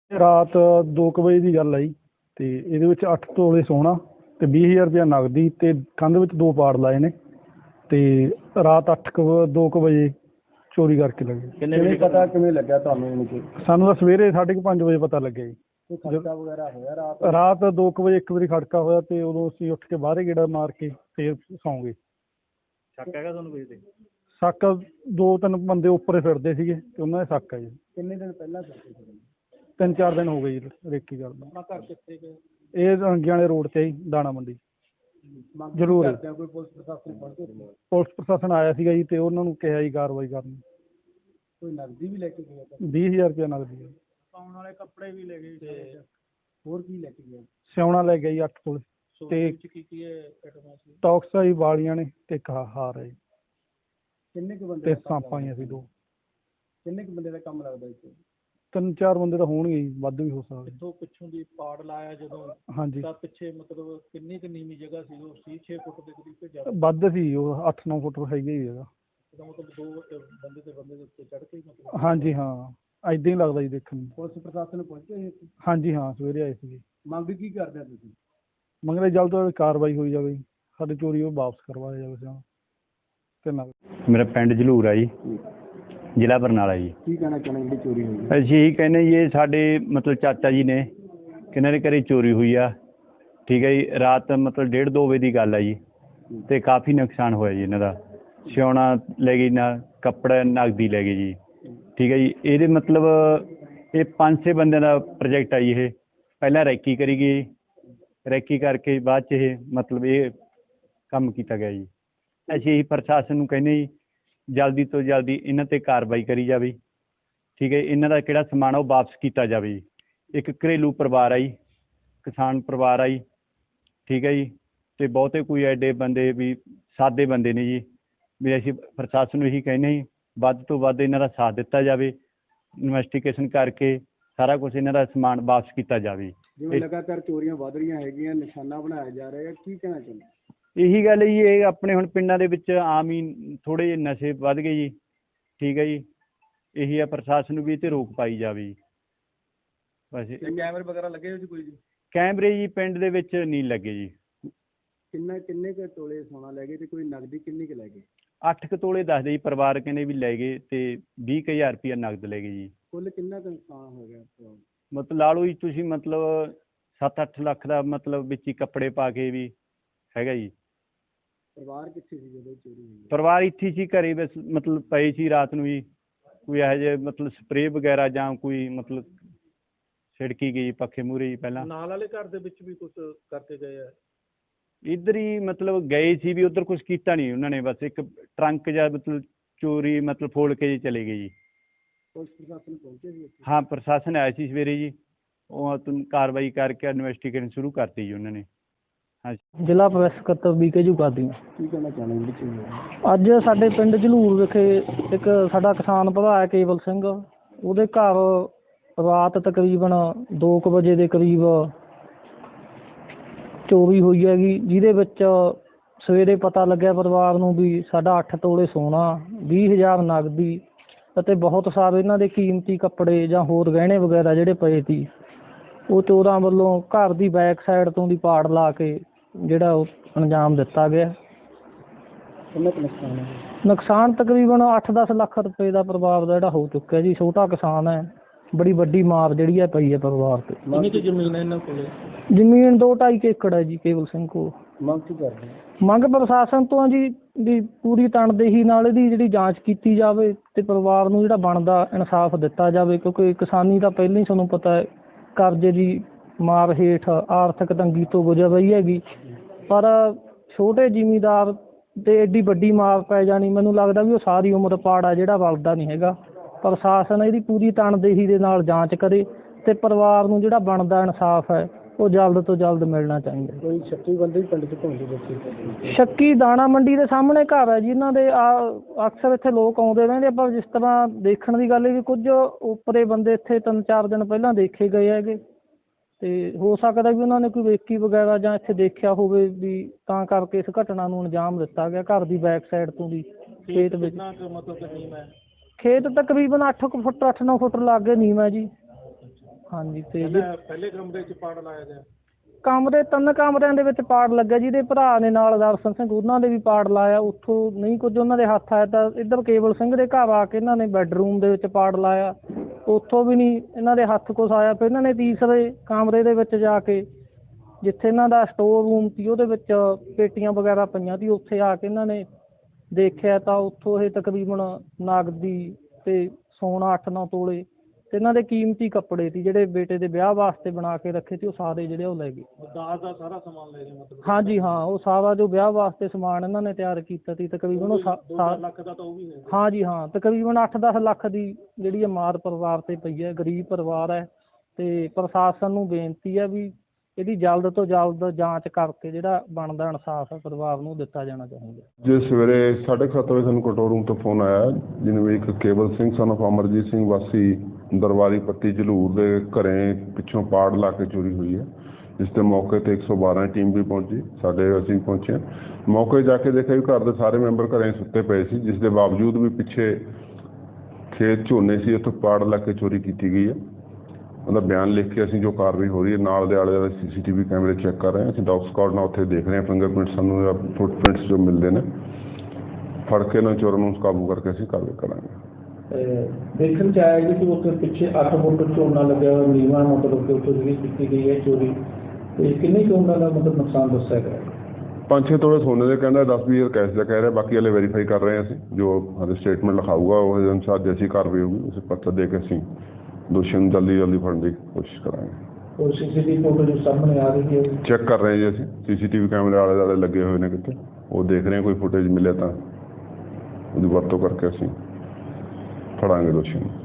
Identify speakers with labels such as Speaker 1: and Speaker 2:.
Speaker 1: ਰਾਤ 2 ਵਜੇ ਦੀ ਗੱਲ ਆਈ ਤੇ ਇਹਦੇ ਵਿੱਚ 8 ਤੋਲੇ ਸੋਨਾ ਤੇ 20,000 ਰੁਪਇਆ ਨਗਦੀ ਤੇ ਕੰਧ ਵਿੱਚ 2 ਪਾੜ ਲਾਏ ਨੇ ਤੇ ਰਾਤ 2 ਵਜੇ ਚੋਰੀ ਕਰਕੇ ਲੱਗੇ।
Speaker 2: ਕਿਵੇਂ ਪਤਾ ਕਿਵੇਂ ਲੱਗਿਆ ਤੁਹਾਨੂੰ ਇਹਨੂੰ?
Speaker 1: ਸਾਨੂੰ ਤਾਂ ਸਵੇਰੇ 5:30 ਵਜੇ ਪਤਾ ਲੱਗਿਆ ਜੀ।
Speaker 2: ਕੋਈ ਖੜਕਾ ਵਗੈਰਾ ਹੋਇਆ
Speaker 1: ਰਾਤ 2 ਵਜੇ ਇੱਕ ਵਾਰੀ ਖੜਕਾ ਹੋਇਆ ਤੇ ਉਦੋਂ ਅਸੀਂ ਉੱਠ ਕੇ ਬਾਹਰੇ ਗੇੜਾ ਮਾਰ ਕੇ ਫੇਰ ਸੌਂ ਗਏ।
Speaker 2: ਸ਼ੱਕ ਹੈਗਾ ਤੁਹਾਨੂੰ ਕੋਈ ਤੇ?
Speaker 1: ਸ਼ੱਕ 2-3 ਬੰਦੇ ਉੱਪਰ ਫਿਰਦੇ ਸੀਗੇ ਤੇ ਉਹਨਾਂ ਦਾ ਸ਼ੱਕ ਹੈ ਜੀ।
Speaker 2: ਕਿੰਨੇ ਦਿਨ ਪਹਿਲਾਂ ਕਰਦੇ ਸੀ?
Speaker 1: 3-4 ਦਿਨ ਹੋ ਗਏ ਜੀ ਰੇਕੀ ਕਰਦਾ।
Speaker 2: ਆਪਣਾ ਘਰ ਕਿੱਥੇ ਗਏ?
Speaker 1: ਇਹ ਰੰਗੀਆਂ ਵਾਲੇ ਰੋਡ ਤੇ ਜੀ, ਦਾਣਾ ਮੰਡੀ। ਜ਼ਰੂਰ
Speaker 2: ਕੋਈ ਪੁਲਿਸ ਪ੍ਰਸ਼ਾਸਨ ਪਹੁੰਚੇ?
Speaker 1: ਪੁਲਿਸ ਪ੍ਰਸ਼ਾਸਨ ਆਇਆ ਸੀਗਾ ਜੀ ਤੇ ਉਹਨਾਂ ਨੂੰ ਕਿਹਾ ਜੀ ਕਾਰਵਾਈ ਕਰਨ।
Speaker 2: ਕੋਈ ਨਕਦੀ ਵੀ ਲੈ ਕੇ ਗਿਆ?
Speaker 1: 20,000 ਰੁਪਇਆ ਨਗਦੀ ਹੈ।
Speaker 2: ਪਾਉਣ ਵਾਲੇ ਕੱਪੜੇ ਵੀ ਲੈ ਗਏ ਤੇ ਹੋਰ ਕੀ ਲੈ ਕੇ ਗਿਆ?
Speaker 1: ਸਿਉਣਾ ਲੈ ਗਿਆ ਜੀ 8 ਤੋਲੇ ਤੇ
Speaker 2: ਕੀ ਆਈਟਮਾਂ ਸੀ?
Speaker 1: ਟੌਕਸ ਆਈ ਵਾਲੀਆਂ ਨੇ ਤੇ ਇੱਕ ਹਾਰ ਹੈ ਜੀ
Speaker 2: ਕਿੰਨੇ ਕੁ ਬੰਦੇ
Speaker 1: ਤੇ
Speaker 2: ਦਾ ਕੰਮ
Speaker 1: ਸਾਂਪਾਂ ਆਈਆਂ ਸੀ 2।
Speaker 2: ਕਿੰਨੇ ਕੁ ਬੰਦੇ ਦਾ ਕੰਮ ਲੱਗਦਾ ਇੱਥੇ?
Speaker 1: 3-4 ਬੰਦੇ ਤਾਂ ਹੋਣਗੇ ਜੀ, ਵੱਧ ਵੀ ਹੋ ਸਕਦੇ।
Speaker 2: ਇੱਥੋਂ ਪਿੱਛੋਂ ਦੀ ਪਾੜ ਲਾਇਆ ਜਦੋਂ
Speaker 1: ਹਾਂਜੀ
Speaker 2: ਤਾਂ ਪਿੱਛੇ ਮਤਲਬ ਕਿੰਨੀ ਕੁ ਨੀਵੀਂ ਜਗ੍ਹਾ ਸੀ? ਉਹ 6 ਫੁੱਟ ਦੇ ਕਰੀਬ ਤੇ ਜ਼ਿਆਦਾ?
Speaker 1: ਵੱਧ ਸੀ, ਉਹ 8-9 ਫੁੱਟ ਹੈਗਾ ਹੀ ਹੈਗਾ।
Speaker 2: ਇਹਦਾ ਮਤਲਬ 2 ਬੰਦੇ ਦੇ ਉੱਤੇ ਚੜ੍ਹ ਕੇ ਮਤਲਬ?
Speaker 1: ਹਾਂਜੀ ਹਾਂ, ਏਦਾਂ ਹੀ ਲੱਗਦਾ ਜੀ ਦੇਖਣ ਨੂੰ।
Speaker 2: ਪੁਲਿਸ ਪ੍ਰਸ਼ਾਸਨ ਪਹੁੰਚੇ ਸੀ?
Speaker 1: ਹਾਂਜੀ ਹਾਂ, ਸਵੇਰੇ ਆਏ ਸੀਗੇ।
Speaker 2: ਮੰਗ ਕੀ ਕਰਦੇ ਤੁਸੀਂ?
Speaker 1: ਮੰਗਦੇ ਜਲਦ ਤੋਂ ਜਲਦ ਕਾਰਵਾਈ ਹੋਈ ਜਾਵੇ, ਸਾਡੀ ਚੋਰੀ ਉਹ ਵਾਪਸ ਕਰਵਾਇਆ ਜਾਵੇ ਸਿਉਣਾ ਤੇ ਨਗਦ।
Speaker 3: ਮੇਰਾ ਪਿੰਡ ਜਲੂਰ ਆ ਜੀ, ਜ਼ਿਲ੍ਹਾ ਬਰਨਾਲਾ ਜੀ।
Speaker 2: ਕੀ ਕਹਿਣਾ ਚਾਹੁੰਦੇ ਜਿਹੜੀ ਚੋਰੀ ਹੋਈ?
Speaker 3: ਅਸੀਂ ਇਹੀ ਕਹਿੰਦੇ ਜੀ, ਇਹ ਸਾਡੇ ਮਤਲਬ ਚਾਚਾ ਜੀ ਨੇ, ਕਿਹਨਾਂ ਦੇ ਘਰੇ ਚੋਰੀ ਹੋਈ ਆ। ਠੀਕ ਹੈ ਜੀ, ਰਾਤ ਮਤਲਬ 1:30-2 ਵਜੇ ਦੀ ਗੱਲ ਆ ਜੀ ਤੇ ਕਾਫੀ ਨੁਕਸਾਨ ਹੋਇਆ ਜੀ ਇਹਨਾਂ ਦਾ। ਸਿਉਣਾ ਲੈ ਗਈ, ਨਾ ਕੱਪੜਾ ਨਗਦੀ ਲੈ ਗਏ ਜੀ। ਠੀਕ ਹੈ ਜੀ, ਇਹਦੇ ਮਤਲਬ ਇਹ 5-6 ਬੰਦਿਆਂ ਦਾ ਪ੍ਰੋਜੈਕਟ ਆ ਜੀ। ਇਹ ਪਹਿਲਾਂ ਰੈਕੀ ਕਰੀ ਗਈ, ਰੈਕੀ ਕਰਕੇ ਬਾਅਦ 'ਚ ਇਹ ਮਤਲਬ ਇਹ ਕੰਮ ਕੀਤਾ ਗਿਆ ਜੀ। ਅਸੀਂ ਇਹੀ ਪ੍ਰਸ਼ਾਸਨ ਨੂੰ ਕਹਿੰਦੇ ਜੀ, ਜਲਦੀ ਤੋਂ ਜਲਦੀ ਇਹਨਾਂ 'ਤੇ ਕਾਰਵਾਈ ਕਰੀ ਜਾਵੇ। ਠੀਕ ਹੈ, ਇਹਨਾਂ ਦਾ ਕਿਹੜਾ ਸਮਾਨ ਉਹ ਵਾਪਸ ਕੀਤਾ ਜਾਵੇ ਜੀ। ਇੱਕ ਘਰੇਲੂ ਪਰਿਵਾਰ ਆ ਜੀ, ਕਿਸਾਨ ਪਰਿਵਾਰ ਆ ਜੀ। ਠੀਕ ਹੈ ਜੀ, ਅਤੇ ਬਹੁਤੇ ਕੋਈ ਐਡੇ ਬੰਦੇ ਵੀ ਸਾਦੇ ਬੰਦੇ ਨੇ ਜੀ, ਵੀ ਅਸੀਂ ਪ੍ਰਸ਼ਾਸਨ ਨੂੰ ਇਹੀ ਕਹਿੰਦੇ ਜੀ, ਵੱਧ ਤੋਂ ਵੱਧ ਇਹਨਾਂ ਦਾ ਸਾਥ ਦਿੱਤਾ ਜਾਵੇ। ਇਨਵੈਸਟੀਗੇਸ਼ਨ ਕਰਕੇ ਸਾਰਾ ਕੁਛ ਇਹਨਾਂ ਦਾ ਸਮਾਨ ਵਾਪਸ ਕੀਤਾ ਜਾਵੇ।
Speaker 2: ਜਿਵੇਂ ਲਗਾਤਾਰ ਚੋਰੀਆਂ ਵੱਧ ਰਹੀਆਂ ਹੈਗੀਆਂ, ਨਿਸ਼ਾਨਾ ਬਣਾਇਆ ਜਾ ਰਿਹਾ ਹੈ, ਕੀ ਕਹਿਣਾ ਚਾਹੁੰਦੇ?
Speaker 3: ਇਹੀ ਗੱਲ ਜੀ, ਇਹ ਆਪਣੇ ਹੁਣ ਪਿੰਡਾਂ ਦੇ ਵਿੱਚ ਆਮ ਹੀ ਥੋੜ੍ਹੇ ਜਿਹੇ ਨਸ਼ੇ ਵੱਧ ਗਏ ਜੀ। ਠੀਕ ਹੈ ਜੀ, ਇਹੀ ਆ, ਪ੍ਰਸ਼ਾਸਨ ਨੂੰ ਵੀ ਇਹ 'ਤੇ ਰੋਕ ਪਾਈ ਜਾਵੇ ਜੀ। ਬਸ
Speaker 2: ਕੈਮਰੇ ਵਗੈਰਾ ਲੱਗੇ ਹੋਏ ਸੀ ਕੋਈ ਜੀ?
Speaker 3: ਕੈਮਰੇ ਜੀ ਪਿੰਡ ਦੇ ਵਿੱਚ ਨਹੀਂ ਲੱਗੇ ਜੀ।
Speaker 2: ਕਿੰਨੇ ਕੁ ਤੋਲੇ ਸੋਨਾ ਲੈ ਗਏ ਤੇ ਕੋਈ ਨਗਦੀ ਕਿੰਨੀ ਕੁ ਲੈ ਗਏ?
Speaker 3: 8 ਕੁ ਤੋਲੇ ਦੱਸਦੇ ਜੀ, ਪਰਿਵਾਰ ਕਹਿੰਦੇ ਵੀ ਲੈ ਗਏ ਤੇ 20,000 ਰੁਪਇਆ ਨਗਦ ਲੈ ਗਏ ਜੀ।
Speaker 2: ਕੁੱਲ ਕਿੰਨਾ ਕੁ ਨੁਕਸਾਨ ਹੋ ਗਿਆ?
Speaker 3: ਮਤਲਬ ਲਾ ਲਓ ਜੀ ਤੁਸੀਂ, ਮਤਲਬ 7-8 ਲੱਖ ਦਾ ਮਤਲਬ ਵਿੱਚ ਹੀ ਕੱਪੜੇ ਪਾ ਕੇ ਵੀ ਹੈਗਾ ਜੀ।
Speaker 2: ਪਰਿਵਾਰ ਕਿੱਥੇ ਸੀ ਜਦੋਂ ਚੋਰੀ ਹੋਈ?
Speaker 3: ਪਰਿਵਾਰ ਇੱਥੇ ਸੀ ਘਰੇ, ਬਸ ਮਤਲਬ ਪਏ ਸੀ ਰਾਤ ਨੂੰ ਜੀ। ਕੋਈ ਇਹੋ ਜਿਹੇ ਮਤਲਬ ਸਪਰੇਅ ਵਗੈਰਾ ਜਾਂ ਕੋਈ ਮਤਲਬ ਛਿੜਕੀ ਗਈ ਪੱਖੇ ਮੂਹਰੇ ਜੀ। ਪਹਿਲਾਂ
Speaker 2: ਨਾਲ ਵਾਲੇ ਘਰ ਦੇ ਵਿੱਚ ਵੀ ਕੁਝ ਕਰਕੇ ਗਏ ਆ?
Speaker 3: ਇੱਧਰ ਹੀ ਮਤਲਬ ਗਏ ਸੀ ਵੀ, ਉੱਧਰ ਕੁਛ ਕੀਤਾ ਨਹੀਂ ਉਹਨਾਂ ਨੇ। ਬਸ ਇੱਕ ਟਰੰਕ ਜਾਂ ਮਤਲਬ ਚੋਰੀ ਮਤਲਬ ਫੋੜ ਕੇ ਜੀ ਚਲੇ ਗਏ ਜੀ।
Speaker 2: ਪੁਲਿਸ ਪ੍ਰਸ਼ਾਸਨ ਪਹੁੰਚੇ ਸੀ?
Speaker 3: ਹਾਂ, ਪ੍ਰਸ਼ਾਸਨ ਆਇਆ ਸੀ ਸਵੇਰੇ ਜੀ, ਉਹ ਕਾਰਵਾਈ ਕਰਕੇ ਇਨਵੈਸਟੀਗੇਸ਼ਨ ਸ਼ੁਰੂ ਕਰਤੀ ਜੀ ਉਹਨਾਂ ਨੇ। ਹਾਂਜੀ।
Speaker 4: ਜ਼ਿਲ੍ਹਾ ਪ੍ਰੈਸ ਸਕੱਤਰ BK ਜੁਗਾਦੀ।
Speaker 2: ਕੀ ਕਹਿਣਾ ਚਾਹੁੰਦੇ ਜੀ?
Speaker 4: ਅੱਜ ਸਾਡੇ ਪਿੰਡ ਜਲੂਰ ਵਿਖੇ ਇੱਕ ਸਾਡਾ ਕਿਸਾਨ ਭਰਾ ਹੈ ਕੇਵਲ ਸਿੰਘ, ਉਹਦੇ ਘਰ ਰਾਤ ਤਕਰੀਬਨ 2 ਵਜੇ ਦੇ ਕਰੀਬ ਚੋਰੀ ਹੋਈ ਹੈਗੀ, ਜਿਹਦੇ ਵਿੱਚ ਸਵੇਰੇ ਪਤਾ ਲੱਗਿਆ ਪਰਿਵਾਰ ਨੂੰ ਵੀ ਸਾਡਾ 8 ਤੋਲੇ ਸੋਨਾ, 20,000 ਨਗਦੀ ਅਤੇ ਬਹੁਤ ਸਾਰੇ ਇਹਨਾਂ ਦੇ ਕੀਮਤੀ ਕੱਪੜੇ ਜਾਂ ਹੋਰ ਗਹਿਣੇ ਵਗੈਰਾ ਜਿਹੜੇ ਪਏ ਸੀ, ਉਹ ਚੋਰਾਂ ਵੱਲੋਂ ਘਰ ਦੀ ਬੈਕ ਸਾਈਡ ਤੋਂ ਦੀ ਪਾੜ ਲਾ ਕੇ ਜਿਹੜਾ ਉਹ ਅੰਜਾਮ ਦਿੱਤਾ ਗਿਆ।
Speaker 2: ਕਿੰਨਾ ਕੁ ਨੁਕਸਾਨ ਹੈ?
Speaker 4: ਨੁਕਸਾਨ ਤਕਰੀਬਨ 8-10 ਲੱਖ ਰੁਪਏ ਦਾ ਪਰਿਵਾਰ ਦਾ ਜਿਹੜਾ ਹੋ ਚੁੱਕਿਆ ਜੀ। ਛੋਟਾ ਕਿਸਾਨ ਹੈ, ਬੜੀ ਵੱਡੀ ਮਾਰ ਜਿਹੜੀ ਹੈ ਪਈ ਹੈ ਪਰਿਵਾਰ ਤੇ।
Speaker 2: ਕਿੰਨੀ ਕੁ ਜ਼ਮੀਨ ਹੈ ਇਹਨਾਂ ਕੋਲ?
Speaker 4: ਜ਼ਮੀਨ 2-2.5 ਏਕੜ ਹੈ ਜੀ ਕੇਵਲ ਸਿੰਘ ਕੋਲ।
Speaker 2: ਮੰਗ ਕੀ ਕਰਦੇ?
Speaker 4: ਮੰਗ ਪ੍ਰਸ਼ਾਸਨ ਤੋਂ ਜੀ ਵੀ ਪੂਰੀ ਤਣਦੇਹੀ ਨਾਲ ਇਹਦੀ ਜਿਹੜੀ ਜਾਂਚ ਕੀਤੀ ਜਾਵੇ ਤੇ ਪਰਿਵਾਰ ਨੂੰ ਜਿਹੜਾ ਬਣਦਾ ਇਨਸਾਫ ਦਿੱਤਾ ਜਾਵੇ, ਕਿਉਂਕਿ ਕਿਸਾਨੀ ਤਾਂ ਪਹਿਲਾਂ ਹੀ ਤੁਹਾਨੂੰ ਪਤਾ ਹੈ ਕਰਜ਼ੇ ਦੀ ਮਾਰ ਹੇਠ ਆਰਥਿਕ ਤੰਗੀ ਤੋਂ ਗੁਜ਼ਰ ਰਹੀ ਹੈਗੀ, ਪਰ ਛੋਟੇ ਜ਼ਿਮੀਂਦਾਰ ਤੇ ਐਡੀ ਵੱਡੀ ਮਾਰ ਪੈ ਜਾਣੀ, ਮੈਨੂੰ ਲੱਗਦਾ ਵੀ ਉਹ ਸਾਰੀ ਉਮਰ ਪਾੜਾ ਜਿਹੜਾ ਵਲਦਾ ਨਹੀਂ ਹੈਗਾ। ਪ੍ਰਸ਼ਾਸਨ ਇਹਦੀ ਪੂਰੀ ਤਣਦੇਹੀ ਦੇ ਨਾਲ ਜਾਂਚ ਕਰੇ ਤੇ ਪਰਿਵਾਰ ਨੂੰ ਜਿਹੜਾ ਬਣਦਾ ਇਨਸਾਫ ਹੈ ਉਹ ਜਲਦ ਤੋਂ ਜਲਦ ਮਿਲਣਾ ਚਾਹੀਦਾ।
Speaker 2: ਕੋਈ ਸ਼ੱਕੀ ਬੰਦੇ ਪਿੰਡ 'ਚ ਘੁੰਮਦੇ ਦੇਖੇ?
Speaker 4: ਸ਼ੱਕੀ ਦਾਣਾ ਮੰਡੀ ਦੇ ਸਾਹਮਣੇ ਘਰ ਹੈ ਜੀ ਇਹਨਾਂ ਦੇ। ਅਕਸਰ ਇੱਥੇ ਲੋਕ ਆਉਂਦੇ ਰਹਿੰਦੇ, ਪਰ ਜਿਸ ਤਰ੍ਹਾਂ ਦੇਖਣ ਦੀ ਗੱਲ ਹੈ ਵੀ ਕੁਝ ਉੱਪਰੇ ਬੰਦੇ ਇੱਥੇ 3-4 ਦਿਨ ਪਹਿਲਾਂ ਦੇਖੇ ਗਏ ਹੈਗੇ, ਤੇ ਹੋ ਸਕਦਾ ਵੀ ਉਹਨਾਂ ਨੇ ਕੋਈ ਵੇਖੀ ਵਗੈਰਾ ਜਾਂ ਇੱਥੇ ਦੇਖਿਆ ਹੋਵੇ ਵੀ ਤਾਂ ਕਰਕੇ ਇਸ ਘਟਨਾ ਨੂੰ ਅੰਜਾਮ ਦਿੱਤਾ ਗਿਆ। ਘਰ ਦੀ ਬੈਕ ਸਾਈਡ ਤੋਂ ਦੀ ਖੇਤ ਵਿੱਚ
Speaker 2: ਮਤਲਬ ਨੀਮ ਹੈ?
Speaker 4: ਖੇਤ ਤਕਰੀਬਨ 8 ਫੁੱਟ 8-9 ਫੁੱਟ ਲਾਗੇ ਨੀਮ ਹੈ ਜੀ। ਹਾਂਜੀ ਤੇ
Speaker 2: ਪਹਿਲੇ ਕਮਰੇ 'ਚ ਪਾੜ ਲਾਇਆ ਗਿਆ?
Speaker 4: ਕਮਰੇ 3 ਕਮਰਿਆਂ ਦੇ ਵਿੱਚ ਪਾੜ ਲੱਗਿਆ, ਜਿਹਦੇ ਭਰਾ ਨੇ ਨਾਲ ਦਰਸ਼ਨ ਸਿੰਘ ਉਹਨਾਂ ਦੇ ਵੀ ਪਾੜ ਲਾਇਆ। ਉੱਥੋਂ ਨਹੀਂ ਕੁਝ ਉਹਨਾਂ ਦੇ ਹੱਥ ਆਇਆ ਤਾਂ ਇੱਧਰ ਕੇਵਲ ਸਿੰਘ ਦੇ ਘਰ ਆ ਕੇ ਇਹਨਾਂ ਨੇ ਬੈੱਡਰੂਮ ਦੇ ਵਿੱਚ ਪਾੜ ਲਾਇਆ, ਉੱਥੋਂ ਵੀ ਨਹੀਂ ਇਹਨਾਂ ਦੇ ਹੱਥ ਕੁਛ ਆਇਆ। ਫਿਰ ਇਹਨਾਂ ਨੇ ਤੀਸਰੇ ਕਮਰੇ ਦੇ ਵਿੱਚ ਜਾ ਕੇ, ਜਿੱਥੇ ਇਹਨਾਂ ਦਾ ਸਟੋਰ ਰੂਮ ਸੀ ਉਹਦੇ ਵਿੱਚ ਪੇਟੀਆਂ ਵਗੈਰਾ ਪਈਆਂ ਸੀ, ਉੱਥੇ ਆ ਕੇ ਇਹਨਾਂ ਨੇ ਦੇਖਿਆ ਤਾਂ ਉੱਥੋਂ ਇਹ ਤਕਰੀਬਨ ਨਗਦੀ ਤੇ ਸੋਨਾ 8-9 ਤੋਲੇ ਤੇ ਇਹਨਾਂ ਦੇ ਕੀਮਤੀ ਕੱਪੜੇ ਸੀ ਜਿਹੜੇ ਬੇਟੇ ਦੇ ਵਿਆਹ ਵਾਸਤੇ ਬਣਾ ਕੇ ਰੱਖੇ ਸੀ, ਉਹ ਸਾਰੇ ਜਿਹੜੇ ਉਹ ਲੈ ਗਏ।
Speaker 2: ਦਾਜ ਦਾ ਸਾਰਾ ਸਮਾਨ ਲੈ ਗਏ ਮਤਲਬ?
Speaker 4: ਹਾਂਜੀ ਹਾਂ, ਉਹ ਸਾਰਾ ਜੋ ਵਿਆਹ ਵਾਸਤੇ ਸਮਾਨ ਇਹਨਾਂ ਨੇ ਤਿਆਰ ਕੀਤਾ ਸੀ ਤਕਰੀਬਨ ਉਹ
Speaker 2: 2 ਲੱਖ ਦਾ ਤਾਂ ਉਹ ਵੀ ਹੈ?
Speaker 4: ਹਾਂਜੀ ਹਾਂ, ਤਕਰੀਬਨ 8-10 ਲੱਖ ਦੀ ਜਿਹੜੀ ਮਾਰ ਪਰਿਵਾਰ ਤੇ ਪਈ ਹੈ। ਗਰੀਬ ਪਰਿਵਾਰ ਹੈ ਤੇ ਪ੍ਰਸ਼ਾਸਨ ਨੂੰ ਬੇਨਤੀ ਹੈ ਵੀ ਇਹਦੀ ਜਲਦ ਤੋਂ ਜਲਦ ਜਾਂਚ ਕਰਕੇ ਜਿਹੜਾ ਬਣਦਾ ਇਨਸਾਫ ਹੈ ਪਰਿਵਾਰ ਨੂੰ ਦਿੱਤਾ ਜਾਣਾ ਚਾਹੀਦਾ।
Speaker 5: ਜੇ ਸਵੇਰੇ 7:30 ਵਜੇ ਸਾਨੂੰ ਕੰਟਰੋਲ ਰੂਮ ਤੋਂ ਫੋਨ ਆਇਆ, ਜਿਹਨੂੰ ਵੀ ਇੱਕ ਕੇਵਲ ਸਿੰਘ son of ਅਮਰਜੀਤ ਸਿੰਘ ਵਾਸੀ ਦਰਬਾਰੀ ਪੱਤੀ ਜਲੂਰ ਦੇ ਘਰੇ ਪਿੱਛੋਂ ਪਾੜ ਲਾ ਕੇ ਚੋਰੀ ਹੋਈ ਹੈ। ਜਿਸ ਦੇ ਮੌਕੇ ਤੇ 112 ਟੀਮ ਵੀ ਪਹੁੰਚੀ, ਅਸੀਂ ਪਹੁੰਚੇ। ਮੌਕੇ ਜਾ ਕੇ ਦੇਖਿਆ ਵੀ ਘਰ ਦੇ ਸਾਰੇ ਮੈਂਬਰ ਘਰੇ ਸੁੱਤੇ ਪਏ ਸੀ, ਜਿਸ ਦੇ ਬਾਵਜੂਦ ਵੀ ਪਿੱਛੇ ਖੇਤ ਝੋਨੇ ਸੀ, ਉੱਥੋਂ ਪਾੜ ਲਾ ਕੇ ਚੋਰੀ ਕੀਤੀ ਗਈ ਹੈ। ਉਹਦਾ ਬਿਆਨ ਲਿਖ ਕੇ ਅਸੀਂ ਜੋ ਕਾਰਵਾਈ ਹੋ ਰਹੀ ਹੈ, ਨਾਲ ਦੇ ਆਲੇ ਦੁਆਲੇ CCTV ਕੈਮਰੇ ਚੈੱਕ ਕਰ ਰਹੇ ਹਾਂ। ਅਸੀਂ ਡੌਗ ਸਕਾਡ ਨਾਲ ਉੱਥੇ ਦੇਖ ਰਹੇ ਹਾਂ, ਫਿੰਗਰਪ੍ਰਿੰਟ ਸਾਨੂੰ ਫੁੱਟਪ੍ਰਿੰਟਸ ਜੋ ਮਿਲਦੇ ਨੇ, ਫੜ ਕੇ ਇਹਨਾਂ ਚੋਰਾਂ ਨੂੰ ਕਾਬੂ ਕਰਕੇ ਅਸੀਂ ਕਾਰਵਾਈ ਕਰਾਂਗੇ।
Speaker 6: ਦੇਖਣ ਚ ਆਇਆ ਜੀ ਕਿ ਉੱਥੇ ਪਿੱਛੇ 8 ਫੁੱਟ ਝੋਨਾ ਲੱਗਿਆ ਹੋਇਆ ਨੀਵਾਂ, ਮਤਲਬ ਕਿ ਉੱਥੇ ਜਿਹੜੀ ਕੀਤੀ ਗਈ ਹੈ ਚੋਰੀ, ਤੇ ਕਿੰਨੇ ਝੋਨਾ ਦਾ ਮਤਲਬ ਨੁਕਸਾਨ ਦੱਸਿਆ ਗਿਆ?
Speaker 5: 5-6 ਤੋਲੇ ਸੋਨੇ ਦੇ ਕਹਿੰਦਾ, 10-20 ਕੈਸ਼ ਦਾ ਕਹਿ ਰਿਹਾ। ਬਾਕੀ ਹਲੇ ਵੈਰੀਫਾਈ ਕਰ ਰਹੇ ਹਾਂ ਅਸੀਂ, ਜੋ ਹਲੇ ਸਟੇਟਮੈਂਟ ਲਿਖਾਊਗਾ ਉਹ ਅਨੁਸਾਰ ਜੈਸੀ ਕਾਰਵਾਈ ਹੋਊਗੀ ਉਸੇ ਪੱਤਰ ਦੇ ਕੇ ਅਸੀਂ ਦੋਸ਼ੀਆਂ ਨੂੰ ਜਲਦੀ ਫੜਨ ਦੀ ਕੋਸ਼ਿਸ਼ ਕਰਾਂਗੇ।
Speaker 6: ਔਰ CCTV ਫੋਟੋ ਜੋ ਸਾਹਮਣੇ ਆ ਰਹੀ ਹੈ
Speaker 5: ਚੈੱਕ ਕਰ ਰਹੇ ਹਾਂ ਜੀ ਅਸੀਂ, CCTV ਕੈਮਰੇ ਆਲੇ ਦੁਆਲੇ ਲੱਗੇ ਹੋਏ ਨੇ ਕਿਤੇ, ਉਹ ਦੇਖ ਰਹੇ ਹਾਂ, ਕੋਈ ਫੁਟੇਜ ਮਿਲੇ ਤਾਂ ਉਹਦੀ ਵਰਤੋਂ ਕਰਕੇ ਅਸੀਂ ਫੜਾਂਗੇ ਦੋਸ਼ੀ ਨੂੰ।